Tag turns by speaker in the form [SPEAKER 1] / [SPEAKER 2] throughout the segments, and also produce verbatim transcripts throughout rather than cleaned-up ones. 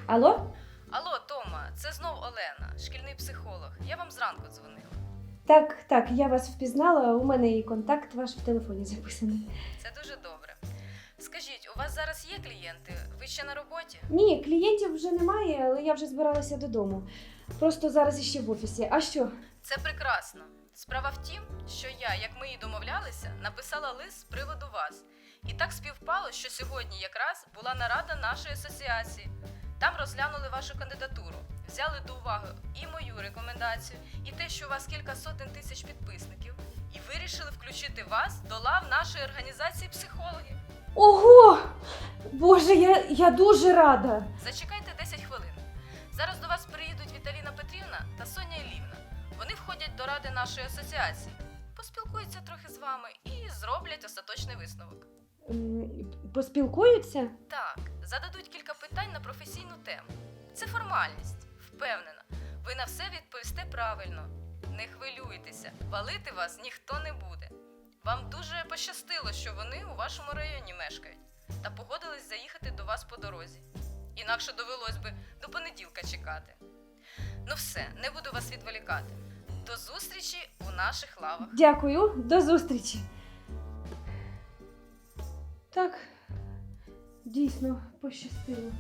[SPEAKER 1] Алло?
[SPEAKER 2] Алло, Тома, це знов Олена, шкільний психолог. Я вам зранку дзвонила.
[SPEAKER 1] Так, так, я вас впізнала, у мене і контакт ваш в телефоні записаний.
[SPEAKER 2] Це дуже добре. Скажіть, у вас зараз є клієнти? Ви ще на роботі?
[SPEAKER 1] Ні, клієнтів вже немає, але я вже збиралася додому. Просто зараз іще в офісі. А що?
[SPEAKER 2] Це прекрасно. Справа в тім, що я, як ми і домовлялися, написала лист з приводу вас. І так співпало, що сьогодні якраз була нарада нашої асоціації. Там розглянули вашу кандидатуру, взяли до уваги і мою рекомендацію, і те, що у вас кілька сотень тисяч підписників, і вирішили включити вас до лав нашої організації психологів.
[SPEAKER 1] Ого! Боже, я, я дуже рада!
[SPEAKER 2] Зачекайте десять хвилин. Зараз до вас приїдуть Віталіна Петрівна та Соня Іллівна. Вони входять до ради нашої асоціації, поспілкуються трохи з вами і зроблять остаточний висновок.
[SPEAKER 1] М, Поспілкуються?
[SPEAKER 2] Так, зададуть кілька питань на професійну тему. Це формальність, впевнена. Ви на все відповісте правильно. Не хвилюйтеся, валити вас ніхто не буде. Вам дуже пощастило, що вони у вашому районі мешкають та погодились заїхати до вас по дорозі. Інакше довелось би до понеділка чекати. Ну все, не буду вас відволікати. До зустрічі у наших лавах.
[SPEAKER 1] Дякую, до зустрічі. Так, дійсно, пощастило.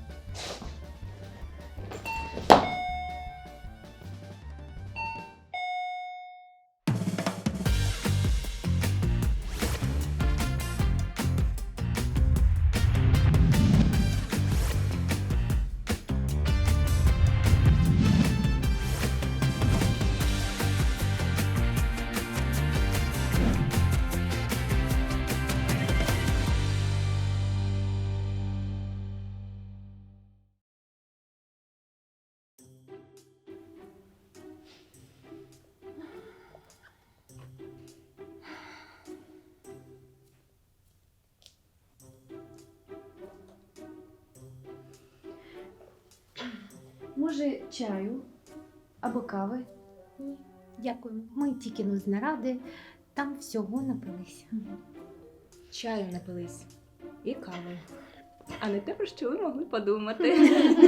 [SPEAKER 1] Може, чаю або кави?
[SPEAKER 3] Ні, дякую. Ми тільки ну з наради, там всього напилися.
[SPEAKER 4] Чаю напились і кави. А не те, про що ви могли подумати.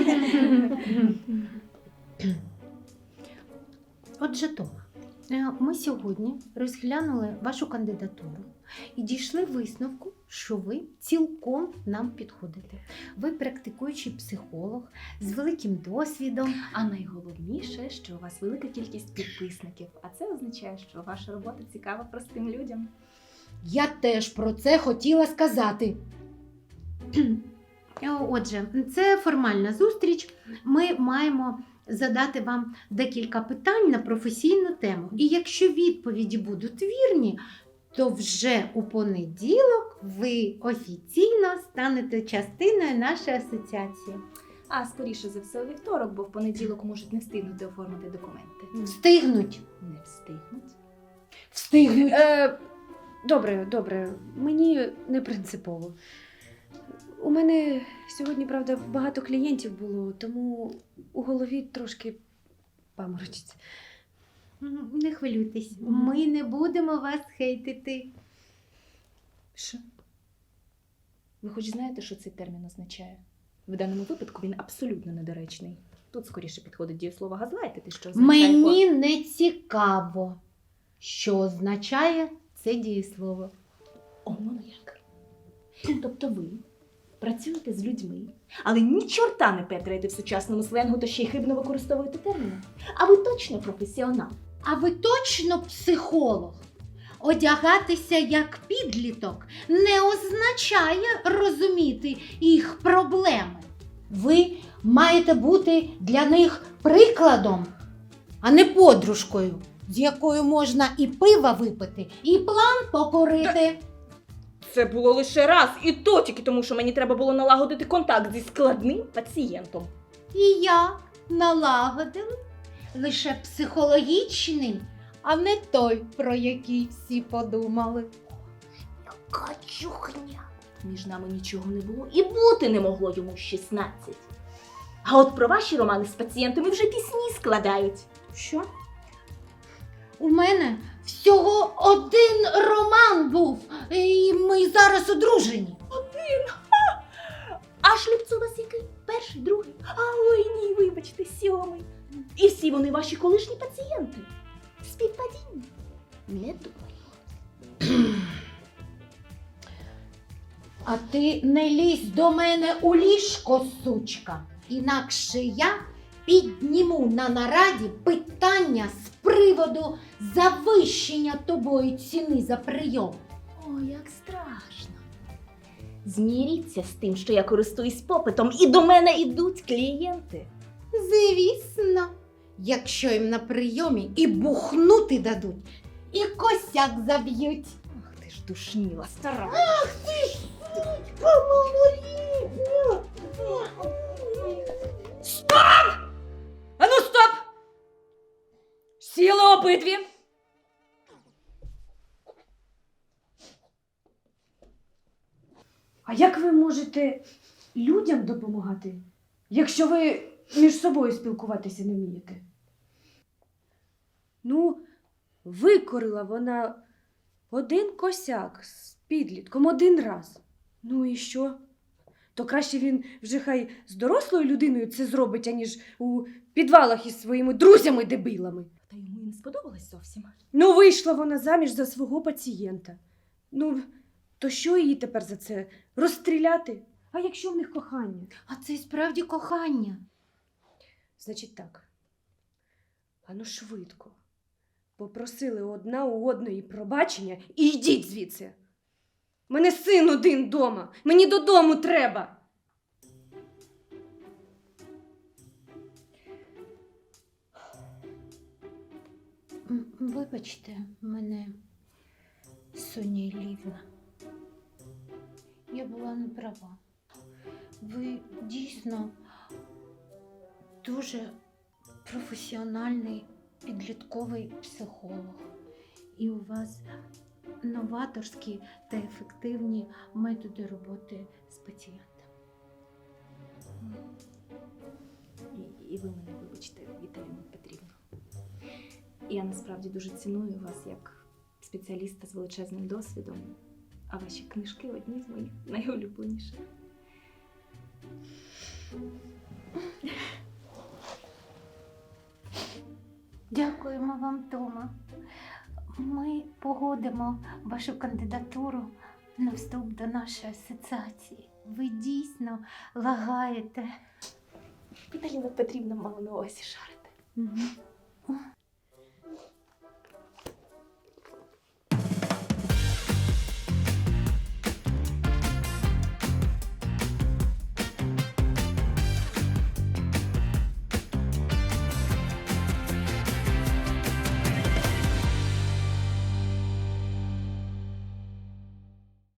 [SPEAKER 3] Отже, Тома, е, ми сьогодні розглянули вашу кандидатуру і дійшли висновку, що ви цілком нам підходите. Ви практикуючий психолог з великим досвідом.
[SPEAKER 4] А найголовніше, що у вас велика кількість підписників. А це означає, що ваша робота цікава простим людям.
[SPEAKER 5] Я теж про це хотіла сказати.
[SPEAKER 3] Е, Отже, це формальна зустріч. Ми маємо задати вам декілька питань на професійну тему. І якщо відповіді будуть вірні, то вже у понеділок ви офіційно станете частиною нашої асоціації.
[SPEAKER 4] А скоріше за все у вівторок, бо в понеділок можуть не встигнути оформити документи.
[SPEAKER 5] Встигнуть.
[SPEAKER 4] Не встигнуть.
[SPEAKER 5] Встигнуть.
[SPEAKER 1] Е, добре, добре, мені не принципово. У мене сьогодні, правда, багато клієнтів було, тому у голові трошки паморочиться.
[SPEAKER 3] М, Не хвилюйтесь, ми не будемо вас хейтити.
[SPEAKER 4] Що? Ви хоч знаєте, що цей термін означає? В даному випадку він абсолютно недоречний. Тут скоріше підходить дієслово газлайтити, що означає...
[SPEAKER 5] Мені не цікаво, що означає це дієслово.
[SPEAKER 4] О, ну як. Тобто ви працюєте з людьми, але ні чорта не петраєте в сучасному сленгу, то ще й хибно використовуєте терміни. А ви точно професіонал.
[SPEAKER 5] А ви точно психолог? Одягатися як підліток не означає розуміти їх проблеми. Ви маєте бути для них прикладом, а не подружкою, з якою можна і пива випити, і план покорити.
[SPEAKER 4] Це було лише раз, і то тільки тому, що мені треба було налагодити контакт зі складним пацієнтом.
[SPEAKER 5] І як налагодили? Лише психологічний, а не той, про який всі подумали.
[SPEAKER 4] Яка чухня! Між нами нічого не було і бути не могло йому шістнадцять. А от про ваші романи з пацієнтами вже пісні складають.
[SPEAKER 5] Що? У мене всього один роман був, і ми зараз одружені.
[SPEAKER 4] А шлюб це у вас який? Перший, другий? А ой, вибачте, сьомий. І всі вони ваші колишні пацієнти. Співпадіння? Не думаю.
[SPEAKER 5] А ти не лізь до мене у ліжко, сучка. Інакше я підніму на нараді питання з приводу завищення тобою ціни за прийом.
[SPEAKER 4] О, як страшно. Зміріться з тим, що я користуюсь попитом, і до мене йдуть клієнти.
[SPEAKER 5] Звісно, якщо їм на прийомі і бухнути дадуть, і косяк заб'ють.
[SPEAKER 4] Ах ти ж душніла, стара.
[SPEAKER 2] Ану, стоп! Сіли обидві.
[SPEAKER 1] А як ви можете людям допомагати, якщо ви між собою спілкуватися не вмієте? Ну, викорила вона один косяк з підлітком один раз. Ну і що? То краще він вже хай з дорослою людиною це зробить, аніж у підвалах із своїми друзями-дебилами.
[SPEAKER 4] Та йому і не сподобалось зовсім.
[SPEAKER 1] Ну, вийшла вона заміж за свого пацієнта. Ну, то що її тепер за це? Розстріляти? А якщо в них кохання?
[SPEAKER 5] А це й справді кохання.
[SPEAKER 1] Значить так. Ану швидко. Попросили одна у одної пробачення і йдіть звідси. У мене син один дома. Мені додому треба.
[SPEAKER 5] М, Вибачте мене, Соня Іллівна. Я була не права. Ви дійсно дуже професіональний підлітковий психолог. І у вас новаторські та ефективні методи роботи з пацієнтами.
[SPEAKER 4] І, і ви мене вибачте, Віталіна Петрівна. Я насправді дуже ціную вас як спеціаліста з величезним досвідом, а ваші книжки одні з моїх найулюбленіших.
[SPEAKER 5] Дякуємо вам, Тома. Ми погодимо вашу кандидатуру на вступ до нашої асоціації. Ви дійсно лагаєте.
[SPEAKER 4] Віталіна Петрівна мала на увазі шарити.
[SPEAKER 5] Угу.